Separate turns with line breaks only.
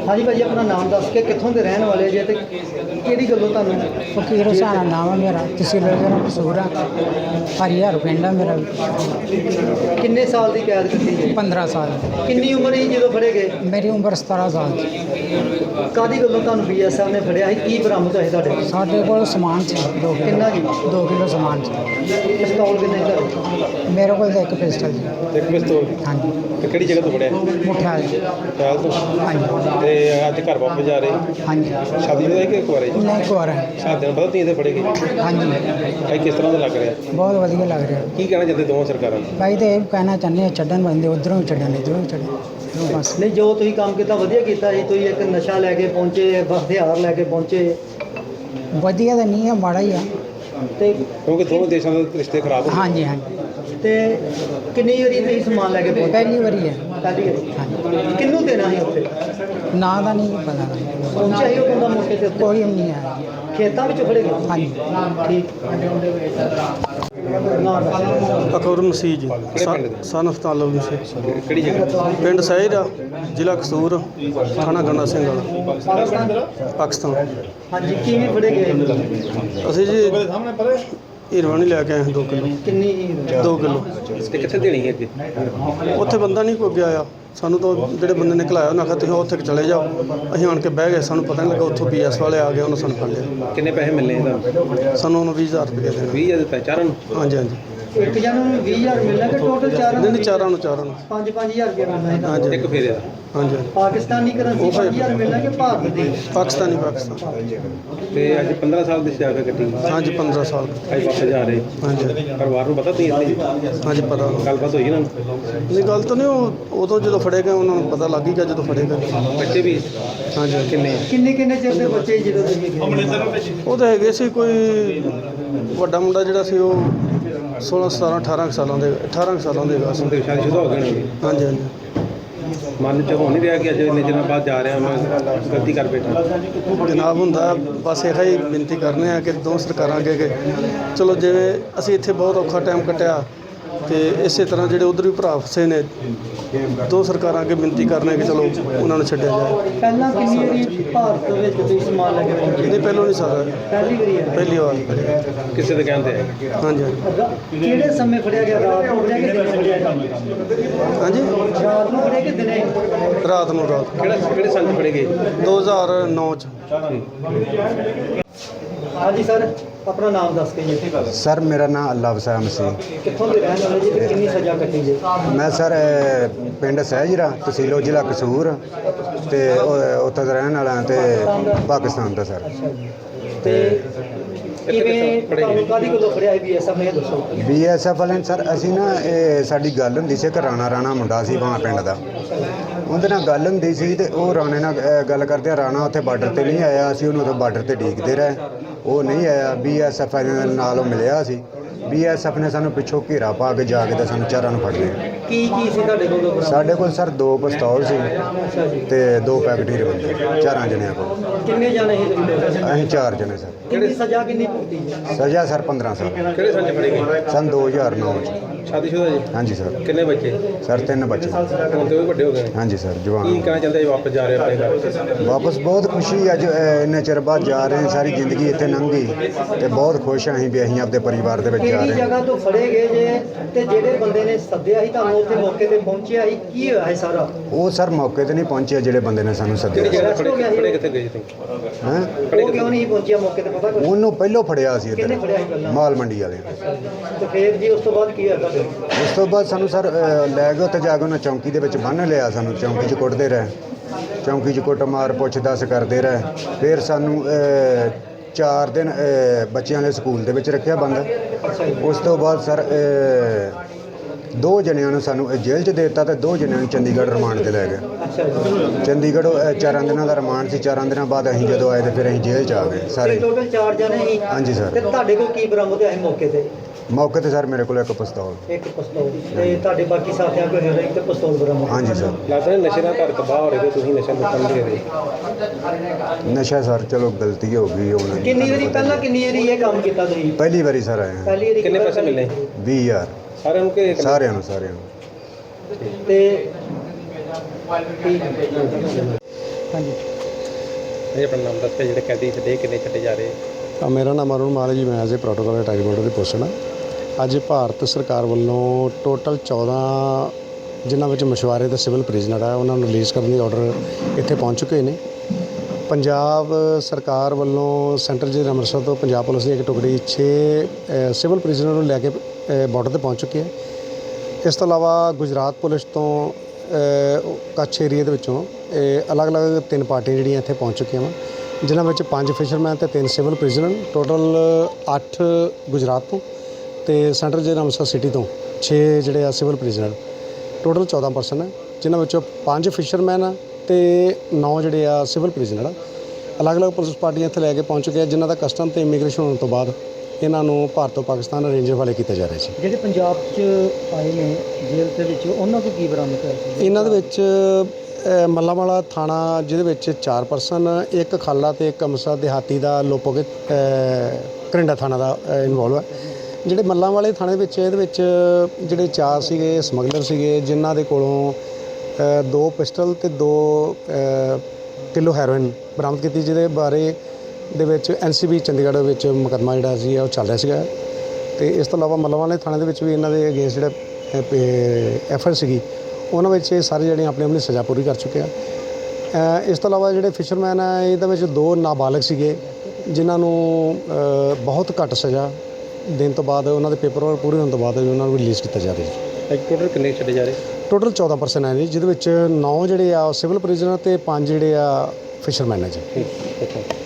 हाँ जी भाजी, अपना नाम दस के कितों के रहने वाले जे ते किहड़ी गल्लों तुहानूं?
फकीर हुसैन नाम है मेरा, तहसील ज़िला कसूर है, हरिहर पिंड है मेरा।
किन्ने साल की कैद कट्टी है?
15 साल।
किन्नी उम्र ही जो फड़े गए?
मेरी उम्र 17 साल।
कादी गल्लों तुहानूं BSF ने फड़िया है? की बरामद होए तुहाडे?
साढ़े को समान से 2 किलो।
किन्ना जी?
2 किलो समान से।
पिस्तौल किन्ने तुहाडे?
मेरे को एक पिस्टल जी।
एक पिस्तौल?
हाँ जी।
ਤੇ ਕਿਹੜੀ ਜਗ੍ਹਾ ਤੋਂ ਫੜਿਆ?
मुठिया जी।
ਟਾਇਲ ਤੋਂ?
हाँ जी।
ਤੇ ਅੱਜ ਘਰ ਵਾਪਸ ਜਾ ਰਹੇ?
हाँ जी।
ਸ਼ਾਦੀ ਦਾ ਕਿ ਇੱਕ ਵਾਰੇ?
नहीं कुआरा है।
ਸ਼ਾਦੀ ਨੂੰ ਪਤਾ ਤੀ ਇਹਦੇ ਫੜੇ ਗਏ?
हाँ जी।
ਭਾਈ ਕਿਸ ਤਰ੍ਹਾਂ ਦਾ ਲੱਗ ਰਿਹਾ?
बहुत वधिया लग रहा है
ਕੀ ਕਹਿਣਾ ਚਾਹੁੰਦੇ ਦੋਵਾਂ ਸਰਕਾਰਾਂ ਨੂੰ?
भाई। तो ये कहना चाहते हैं छड्डन बंदे उधरों भी छड्डन इधरों भी छड्डन बस।
नहीं, जो तुसीं काम किया वधिया कीता जी। तुसीं एक नशा लैके पहुंचे, हथियार लैके पहुंचे,
वधिया तो नहीं है, माड़ा ही है।
ते
ਕਿਉਂਕਿ ਦੋਵੇਂ ਦੇਸ਼ਾਂ ਦੇ ਰਿਸ਼ਤੇ ਖਰਾਬ ਹੋ
हाँ जी। हाँ जी।
ते किन्नी वारी तुसीं समान लैके पहुंचे?
पहली बारी है।
पहली वारी किन्नू देना ही उत्थे?
ना का नहीं पता।
पहुंचा ही वो बंदा मौके ते उत्ते?
कोई नहीं है।
खेतां विच फड़े गए?
हाँ जी।
ठीक। ना दस।
ਅਕਬਰ ਮਸੀਹ ਜੀ, ਸਨ ਅਫਤਾਰ ਲਵ ਮਸੀਹ,
ਕਿਹੜੀ ਜਗ੍ਹਾ?
ਪਿੰਡ ਸਹਿਜ ਆ, ਜ਼ਿਲ੍ਹਾ ਕਸੂਰ, ਥਾਣਾ ਗੰਡਾ ਸਿੰਘ ਵਾਲਾ,
पाकिस्तान?
ਪਾਕਿਸਤਾਨ।
हाँ जी, किवें फड़े गए?
ਅਸੀਂ ਜੀ ਹੀਰਵਾਨੀ ਲੈ ਕੇ ਆਏ ਹਾਂ 2 ਕਿਲੋ।
किन्नी?
2 ਕਿਲੋ
ਤੇ ਕਿੱਥੇ ਦੇਣੀ ਹੈ ਅੱਗੇ?
ਉੱਥੇ ਬੰਦਾ ਨਹੀਂ ਕੋਈ ਅੱਗੇ ਆਇਆ। ਸਾਨੂੰ ਤਾਂ ਜਿਹੜੇ ਬੰਦੇ ਨੇ ਘਲਾਇਆ ਉਹਨਾਂ ਆਖਿਆ ਤੁਸੀਂ ਉੱਥੇ ਚਲੇ ਜਾਓ। ਅਸੀਂ ਆਣ ਕੇ ਬਹਿ ਗਏ, ਸਾਨੂੰ ਪਤਾ ਨਹੀਂ ਲੱਗਾ। ਉੱਥੋਂ BS ਵਾਲੇ ਆ ਗਏ, ਉਹਨਾਂ ਸਾਨੂੰ ਫੜ ਲਿਆ।
ਕਿੰਨੇ ਪੈਸੇ ਮਿਲਨੇ ਤੁਹਾਨੂੰ?
ਸਾਨੂੰ ਉਹਨੂੰ 20,000 ਰੁਪਏ ਦੇਣਾ।
20,000 ਦਿੱਤਾ ਚਾਰਾਂ ਨੂੰ?
ਹਾਂਜੀ ਹਾਂਜੀ।
एक जन नूं 20,000 मिलना कि टोटल चारां?
ਨਹੀਂ ਨਹੀਂ, ਚਾਰਾਂ ਨੂੰ
5-5 हज़ार रुपया मिलना है?
ਹਾਂਜੀ
ਇੱਕ ਫੇਰੇ ਦਾ?
ਹਾਂਜੀ ਹਾਂਜੀ।
पाकिस्तानी करेंसी 5,000 मिलना कि भारत दी?
ਪਾਕਿਸਤਾਨੀ ਪਾਕਿਸਤਾਨ।
ਤੇ ਅੱਜ 15 ਸਾਲ ਦੀ ਸਜ਼ਾ ਕੱਟੀ?
ਹਾਂਜੀ 15 ਸਾਲ।
ਅੱਜ ਵਾਪਸ ਜਾ ਰਹੇ?
ਹਾਂਜੀ
ਪਰਿਵਾਰ ਨੂੰ ਪਤਾ ਤੀ ਇੱਥੇ
ਹਾਂਜੀ ਪਤਾ।
ਗੱਲਬਾਤ ਹੋਈ ਨਾ?
ਨਹੀਂ ਗੱਲ ਤਾਂ ਨਹੀਂ, ਉਹ ਉਦੋਂ ਜਦੋਂ ਫੜੇ ਗਏ ਉਹਨਾਂ ਨੂੰ ਪਤਾ ਲੱਗ ਹੀ ਗਿਆ ਜਦੋਂ ਫੜੇ ਗਏ।
ਬੱਚੇ ਵੀ
ਹਾਂਜੀ ਹਾਂਜੀ।
ਕਿੰਨੇ?
किन्ने चिर दे बच्चे ਜਦੋਂ ਤੁਸੀਂ
ਉਹ ਤਾਂ ਹੈਗੇ ਸੀ, ਕੋਈ ਵੱਡਾ ਮੁੰਡਾ ਜਿਹੜਾ ਸੀ ਉਹ 16 17 18 ਸਾਲਾਂ ਦੇ 18 ਸਾਲਾਂ ਦੇ ਹੈਗਾ ਸੀ।
ਤੇ ਸ਼ਾਦੀशुदा ਹੋ ਗਏ ਨੇ?
ਹਾਂਜੀ ਹਾਂਜੀ।
ਮਨ ਚ ਹੋ ਨਹੀਂ ਰਿਹਾ ਕਿ ਅੱਜ ਇੰਨੇ ਦਿਨਾਂ ਬਾਅਦ ਜਾ ਰਿਹਾ ਮੈਂ ਗਲਤੀ ਕਰ ਬੈਠਾ?
ਜਨਾਬ ਹੁੰਦਾ ਬਸ ਇਹੋ ਹੀ ਬੇਨਤੀ ਕਰਨੇ ਆ ਕਿ ਦੋ ਸਰਕਾਰਾਂ ਅੱਗੇ ਕਿ ਚਲੋ ਜਿਵੇਂ ਅਸੀਂ ਇੱਥੇ ਬਹੁਤ ਔਖਾ ਟਾਈਮ ਕੱਟਿਆ ਤੇ ਇਸੇ ਤਰ੍ਹਾਂ ਜਿਹੜੇ ਉਧਰ ਵੀ ਭਰਾ ਫਸੇ ਨੇ, ਦੋ ਸਰਕਾਰਾਂ ਅੱਗੇ ਬੇਨਤੀ ਕਰਨੇ ਕਿ ਚਲੋ ਉਹਨਾਂ ਨੂੰ ਛੱਡਿਆ ਜਾਏ।
ਪਹਿਲਾਂ ਕਿੰਨੀ ਵਾਰੀ ਭਾਰਤ ਵਿੱਚ ਤੁਸੀਂ ਸਮਾਨ ਲੈ ਕੇ ਪਹੁੰਚੇ?
ਨਹੀਂ ਪਹਿਲੋਂ ਨਹੀਂ ਸਾਰਾ,
ਪਹਿਲੀ ਵਾਰੀ ਹੈ?
ਪਹਿਲੀ ਵਾਰ।
ਕਿਸੇ ਦੇ ਕਹਿੰਦੇ
ਹਾਂਜੀ ਹਾਂਜੀ।
ਕਿਹੜੇ ਸਮੇਂ ਫੜਿਆ ਗਿਆ? ਰਾਤ ਨੂੰ ਫੜਿਆ ਕਿ ਦਿਨੇ ਫੜਿਆ ਗਿਆ?
ਹਾਂਜੀ
ਰਾਤ ਨੂੰ ਫੜਿਆ ਕਿ ਦਿਨੇ?
ਰਾਤ ਨੂੰ ਰਾਤ
ਕਿਹੜੇ ਸੰਨ ਫੜੇ ਗਏ?
2009 ਚ।
हाँ जी सर, अपना नाम दस के जी।
सर मेरा नाम अल्लाह वसाया मसीह।
कितों के रहने वाले जी? कितनी सजा कटी जी?
मैं सर पिंड सहजरा तहसील जिला कसूर ते उत्थे दा रहने वाला ते पाकिस्तान दा सर।
ते किवें ਤੁਹਾਨੂੰ ਕਾਦੀ ਕੋਲੋਂ ਫੜਿਆ ਹੈ BSF ਨੇ? ਦੱਸੋ।
BSF ਵਾਲੇ ਸਰ ਅਸੀਂ ਨਾ ਇਹ ਸਾਡੀ ਗੱਲ ਹੁੰਦੀ ਸੀ ਕਿ ਰਾਣਾ ਮੁੰਡਾ ਸੀ ਬਾਂ ਪਿੰਡ ਦਾ, ਉਹਦੇ ਨਾਲ ਗੱਲ ਹੁੰਦੀ ਸੀ ਤੇ ਉਹ ਰਾਣੇ ਨਾਲ ਗੱਲ ਕਰਦੇ। ਰਾਣਾ ਉੱਥੇ ਬਾਰਡਰ ਤੇ ਨਹੀਂ ਆਇਆ, ਅਸੀਂ ਉਹਨੂੰ ਉੱਥੇ ਬਾਰਡਰ ਤੇ ਡੀਕਦੇ ਰਹੇ, ਉਹ ਨਹੀਂ ਆਇਆ। BSF ਵਾਲੇ ਨਾਲ ਉਹ ਮਿਲਿਆ ਸੀ। BSF ਨੇ ਸਾਨੂੰ ਪਿੱਛੋਂ ਘੇਰਾ ਪਾ ਕੇ ਜਾ ਕੇ ਤੇ ਸਾਨੂੰ ਚਾਰਾਂ ਨੂੰ ਫੜ ਲਿਆ।
ਕੀ ਸੀ ਤੁਹਾਡੇ ਕੋਲ?
ਸਾਡੇ ਕੋਲ ਸਰ 2 ਪਿਸਤੌਲ ਸੀ
ਅੱਛਾ ਜੀ।
ਤੇ 2 ਪੈਕਟ ਹੀਰੇ ਬੰਦੇ, ਚਾਰਾਂ ਜਣਿਆਂ ਕੋਲ।
ਕਿੰਨੇ ਜਾਣੇ ਸੀ ਤੁਸੀਂ?
ਅਸੀਂ 4 ਜਣੇ ਸਰ।
ਕਿੰਨੀ ਸਜ਼ਾ ਕਿੰਨੀ ਭੁਗਤੀ ਜੀ?
ਸਜ਼ਾ ਸਰ 15 ਸਾਲ।
ਕਿਹੜੇ ਸੰਨ ਫੜੇ ਗਏ?
ਸਨ 2009 ਚ।
ਸ਼ਾਦੀशुदा ਜੀ?
ਹਾਂਜੀ ਸਰ।
ਕਿੰਨੇ ਬੱਚੇ?
ਸਰ 3 ਬੱਚੇ।
ਹੁਣ ਤੇ ਉਹ ਵੀ ਵੱਡੇ ਹੋ ਗਏ ਨੇ?
ਹਾਂਜੀ ਸਰ
ਕੀ
ਜਵਾਨ।
ਕਹਿਣਾ ਚਾਹੁੰਦੇ ਵਾਪਸ ਜਾ ਰਹੇ ਆਪਣੇ ਘਰ?
ਵਾਪਸ ਬਹੁਤ ਖੁਸ਼ੀ, ਅੱਜ ਇੰਨੇ ਚਿਰ ਬਾਅਦ ਜਾ ਰਹੇ ਹਾਂ। ਸਾਰੀ ਜ਼ਿੰਦਗੀ ਇੱਥੇ ਲੰਘ ਗਈ ਤੇ ਬਹੁਤ ਖੁਸ਼ ਹਾਂ ਅਸੀਂ ਵੀ ਅਸੀਂ ਆਪਣੇ ਪਰਿਵਾਰ ਦੇ ਵਿੱਚ ਜਾ
ਕਿਹੜੀ
ਰਹੇ ਹਾਂ।
ਜਗ੍ਹਾ ਤੋਂ ਫੜੇ ਗਏ ਜੇ ਤੇ ਜਿਹੜੇ ਬੰਦੇ ਨੇ ਸੱਦਿਆ ਸੀ ਤੁਹਾਨੂੰ ਉੱਥੇ ਮੌਕੇ ਤੇ ਪਹੁੰਚਿਆ ਸੀ, ਕੀ ਹੋਇਆ ਹੈ ਸਾਰਾ?
ਉਹ ਸਰ ਮੌਕੇ ਤੇ ਨਹੀਂ ਪਹੁੰਚੇ ਜਿਹੜੇ ਬੰਦੇ ਨੇ ਸਾਨੂੰ
ਕਿਹੜੀ
ਸੱਦਿਆ।
ਜਗ੍ਹਾ ਫੜੇ ਕਿੱਥੇ ਗਏ ਤੁਸੀਂ?
ਹੈਂ
ਉਹ ਕਿਉਂ ਨਹੀਂ ਪਹੁੰਚਿਆ ਮੌਕੇ ਤੇ, ਪਤਾ ਕੁਛ?
ਉਹਨੂੰ ਪਹਿਲੋਂ ਫੜਿਆ ਸੀ
ਕਿਹਨੇ
ਇੱਧਰ
ਫੜਿਆ ਸੀ ਪਹਿਲਾਂ?
ਮਾਲ ਮੰਡੀ ਵਾਲੇ।
ਤੇ ਫੇਰ ਜੀ ਉਸ ਤੋਂ ਬਾਅਦ ਕੀ ਹੋਇਆ ਤੁਹਾਡੇ?
ਉਸ ਤੋਂ ਬਾਅਦ ਸਾਨੂੰ ਸਰ ਲੈ ਗਏ ਉੱਥੇ ਜਾ ਕੇ ਉਹਨਾਂ ਚੌਂਕੀ ਦੇ ਵਿੱਚ ਬੰਨ੍ਹ ਲਿਆ। ਸਾਨੂੰ ਚੌਂਕੀ 'ਚ ਕੁੱਟਦੇ ਰਹੇ, ਚੌਂਕੀ 'ਚ ਕੁੱਟ ਮਾਰ ਪੁੱਛ ਦੱਸ ਕਰਦੇ ਰਹੇ। ਫਿਰ ਸਾਨੂੰ 4 ਦਿਨ ਬੱਚਿਆਂ ਵਾਲੇ ਸਕੂਲ ਦੇ ਵਿੱਚ ਰੱਖਿਆ ਬੰਦ। ਉਸ ਤੋਂ ਬਾਅਦ ਸਰ 2 ਜਣਿਆਂ ਨੂੰ ਸਾਨੂੰ ਜੇਲ੍ਹ 'ਚ ਦੇ ਦਿੱਤਾ ਤੇ 2 ਜਣਿਆਂ ਨੂੰ ਚੰਡੀਗੜ੍ਹ ਰਿਮਾਂਡ ਤੇ ਲੈ ਗਏ।
ਅੱਛਾ ਜੀ।
ਚੰਡੀਗੜ੍ਹ 4 ਦਿਨਾਂ ਦਾ ਰਿਮਾਂਡ ਸੀ। 4 ਦਿਨਾਂ ਬਾਅਦ ਅਸੀਂ ਜਦੋਂ ਆਏ ਤੇ ਫਿਰ ਅਸੀਂ ਜੇਲ੍ਹ 'ਚ ਆ ਗਏ ਸਾਰੇ।
ਟੋਟਲ 4 ਜਣੇ ਸੀ?
ਹਾਂਜੀ ਸਰ।
ਤੇ ਤੁਹਾਡੇ ਕੋਲ ਕੀ ਬਰਾਮਦ ਹੋਇਆ ਸੀ ਮੌਕੇ ਤੇ?
ਮੌਕੇ ਤੇ ਸਰ ਮੇਰੇ ਕੋਲ 1 ਪਿਸਤੌਲ।
ਇੱਕ ਪਿਸਤੌਲ ਤੇ ਤੁਹਾਡੇ ਬਾਕੀ ਸਾਥੀਆਂ ਕੋਲ ਹੋਰ ਇੱਕ ਪਿਸਤੌਲ ਬਰਾਮਦ?
ਹਾਂਜੀ ਸਰ।
ਲੱਗਦਾ ਨਸ਼ੇ ਨਾਲ ਘਰ ਤਬਾਹ ਹੋ ਰਹੇ ਤੇ ਤੁਸੀਂ ਨਸ਼ਾ ਲੁੱਟਣ ਦੇ ਰਹੇ?
ਨਸ਼ਾ ਸਰ ਚਲੋ ਗਲਤੀ ਹੋ ਗਈ ਹੁਣ।
ਕਿੰਨੀ ਵਾਰੀ ਪਹਿਲਾਂ ਕਿੰਨੀ ਵਾਰੀ ਇਹ ਕੰਮ ਕੀਤਾ ਤੁਸੀਂ?
ਪਹਿਲੀ ਵਾਰੀ ਸਰ ਆਏ ਹਾਂ।
ਪਹਿਲੀ ਵਾਰੀ
ਕਿੰਨੇ ਪੈਸੇ ਮਿਲੇ?
20,000
ਸਾਰਿਆਂ ਨੂੰ ਕਿ
ਸਾਰਿਆਂ ਨੂੰ।
ਤੇ ਠੀਕ ਹੈ।
ਹਾਂਜੀ
ਇਹ ਆਪਣਾ ਨਾਮ ਦੱਸ ਕੇ ਜਿਹੜੇ ਕੈਦੀ ਛੱਡੇ ਕਿੰਨੇ ਛੱਡੇ ਜਾ ਰਹੇ?
ਮੇਰਾ ਨਾਮ ਅਰੁਣ ਮਾਲ ਹੈ ਜੀ। ਮੈਂ as a protocol attack board ਦੀ ਪੋਸਟ ਹਾਂ। ਅੱਜ ਭਾਰਤ ਸਰਕਾਰ ਵੱਲੋਂ ਟੋਟਲ 14 ਜਿਨ੍ਹਾਂ ਵਿੱਚ ਮਛੁਆਰੇ ਤੇ ਸਿਵਲ ਪ੍ਰਿਜ਼ਨਰ ਆ ਉਹਨਾਂ ਨੂੰ ਰਿਲੀਜ਼ ਕਰਨ ਦੀ ਆਰਡਰ ਇੱਥੇ ਪਹੁੰਚ ਚੁੱਕੇ ਨੇ। ਪੰਜਾਬ ਸਰਕਾਰ ਵੱਲੋਂ ਸੈਂਟਰਲ ਜੇਲ੍ਹ ਅੰਮ੍ਰਿਤਸਰ ਤੋਂ ਪੰਜਾਬ ਪੁਲਿਸ ਦੀ ਇੱਕ ਟੁਕੜੀ 6 ਸਿਵਲ ਪ੍ਰਿਜ਼ਨਰ ਨੂੰ ਲੈ ਕੇ ਬਾਰਡਰ ਤੇ ਪਹੁੰਚ ਚੁੱਕੀ ਹੈ। ਇਸ ਤੋਂ ਇਲਾਵਾ ਗੁਜਰਾਤ ਪੁਲਿਸ ਤੋਂ ਕੱਛ ਏਰੀਏ ਦੇ ਵਿੱਚੋਂ ਅਲੱਗ-ਅਲੱਗ 3 ਪਾਰਟੀਆਂ ਜਿਹੜੀਆਂ ਇੱਥੇ ਪਹੁੰਚ ਚੁੱਕੀਆਂ ਵਾ, ਜਿਨ੍ਹਾਂ ਵਿੱਚ 5 ਫਿਸ਼ਰਮੈਨ ਤੇ 3 ਸਿਵਲ ਪ੍ਰਿਜ਼ਨਰ, ਟੋਟਲ 8 ਗੁਜਰਾਤ ਤੋਂ ਤੇ ਸੈਂਟਰਲ ਜੇਲ੍ਹ ਅੰਮ੍ਰਿਤਸਰ ਸਿਟੀ ਤੋਂ 6 ਜਿਹੜੇ ਆ ਸਿਵਲ ਪ੍ਰਿਜ਼ਨਰ, ਟੋਟਲ 14 ਪਰਸਨ ਹੈ, ਜਿਨ੍ਹਾਂ ਵਿੱਚੋਂ 5 ਫਿਸ਼ਰਮੈਨ ਆ ਤੇ 9 ਜਿਹੜੇ ਆ ਸਿਵਲ ਪ੍ਰਿਜ਼ਨਰ ਆ। ਅਲੱਗ-ਅਲੱਗ ਪੁਲਿਸ ਪਾਰਟੀਆਂ ਇੱਥੇ ਲੈ ਕੇ ਪਹੁੰਚ ਚੁੱਕੇ ਆ, ਜਿਨ੍ਹਾਂ ਦਾ ਕਸਟਮ ਤੇ ਇਮੀਗ੍ਰੇਸ਼ਨ ਹੋਣ ਤੋਂ ਬਾਅਦ ਇਹਨਾਂ ਨੂੰ ਭਾਰਤ ਤੋਂ ਪਾਕਿਸਤਾਨ ਅਰੇਂਜ ਹਵਾਲੇ ਕੀਤਾ ਜਾ ਰਿਹਾ ਸੀ।
ਜਿਹੜੇ ਪੰਜਾਬ 'ਚ ਆਏ ਨੇ ਜੇਲ੍ਹ ਦੇ ਵਿੱਚ, ਉਹਨਾਂ ਤੋਂ ਕੀ ਬਰਾਮਦ ਹੋਇਆ ਸੀ?
ਇਹਨਾਂ ਦੇ ਵਿੱਚ ਮੱਲਾਂਵਾਲਾ ਥਾਣਾ, ਜਿਹਦੇ ਵਿੱਚ 4 ਪਰਸਨ, ਇੱਕ ਖਾਲਾ ਤੇ ਇੱਕ ਅੰਮ੍ਰਿਤਸਰ ਦਿਹਾਤੀ ਦਾ ਲੋਪੋਗੇ ਕਰਿੰਡਾ ਥਾਣਾ ਦਾ ਇਨਵੋਲਵ ਹੈ। ਜਿਹੜੇ ਮੱਲਾਂਵਾਲੇ ਥਾਣੇ ਵਿੱਚ ਇਹਦੇ ਵਿੱਚ ਜਿਹੜੇ 4 ਸੀਗੇ ਸਮਗਲਰ ਸੀਗੇ, ਜਿਨ੍ਹਾਂ ਦੇ ਕੋਲੋਂ 2 ਪਿਸਟਲ ਤੇ 2 ਕਿਲੋ ਹੈਰੋਇਨ ਬਰਾਮਦ ਕੀਤੀ, ਜਿਹਦੇ ਬਾਰੇ ਦੇ ਵਿੱਚ NCB ਚੰਡੀਗੜ੍ਹ ਵਿੱਚ ਮੁਕੱਦਮਾ ਜਿਹੜਾ ਸੀ ਉਹ ਚੱਲ ਰਿਹਾ ਸੀਗਾ। ਤੇ ਇਸ ਤੋਂ ਇਲਾਵਾ ਮੱਲਾਂਵਾਲੇ ਥਾਣੇ ਦੇ ਵਿੱਚ ਵੀ ਇਹਨਾਂ ਦੇ ਅਗੇਂਸਟ ਜਿਹੜਾ ਐਫਆਈਆਰ ਸੀਗੀ, ਉਹਨਾਂ ਵਿੱਚ ਇਹ ਸਾਰੇ ਜਿਹੜੇ ਆਪਣੀ ਆਪਣੀ ਸਜ਼ਾ ਪੂਰੀ ਕਰ ਚੁੱਕੇ ਆ। ਇਸ ਤੋਂ ਇਲਾਵਾ ਜਿਹੜੇ ਫਿਸ਼ਰਮੈਨ ਆ, ਇਹਦੇ ਵਿੱਚ 2 ਨਾਬਾਲਗ ਸੀਗੇ, ਜਿਨ੍ਹਾਂ ਨੂੰ ਬਹੁਤ ਘੱਟ ਸਜ਼ਾ ਦੇਣ ਤੋਂ ਬਾਅਦ ਉਹਨਾਂ ਦੇ ਪੇਪਰ ਵਰਕ ਪੂਰੇ ਹੋਣ ਤੋਂ ਬਾਅਦ ਉਹਨਾਂ ਨੂੰ ਰਿਲੀਜ਼ ਕੀਤਾ ਜਾ ਰਿਹਾ ਜੀ।
ਟੋਟਲ ਕਿੰਨੇ ਛੱਡੇ ਜਾ ਰਹੇ?
ਟੋਟਲ 14 ਪਰਸਨ ਹੈ ਜੀ, ਜਿਹਦੇ ਵਿੱਚ 9 ਜਿਹੜੇ ਆ ਸਿਵਲ ਪ੍ਰਿਜ਼ਨਰ ਤੇ 5 ਜਿਹੜੇ ਆ ਫਿਸ਼ਰਮੈਨ ਹੈ ਜੀ।
ਠੀਕ ਹੈ।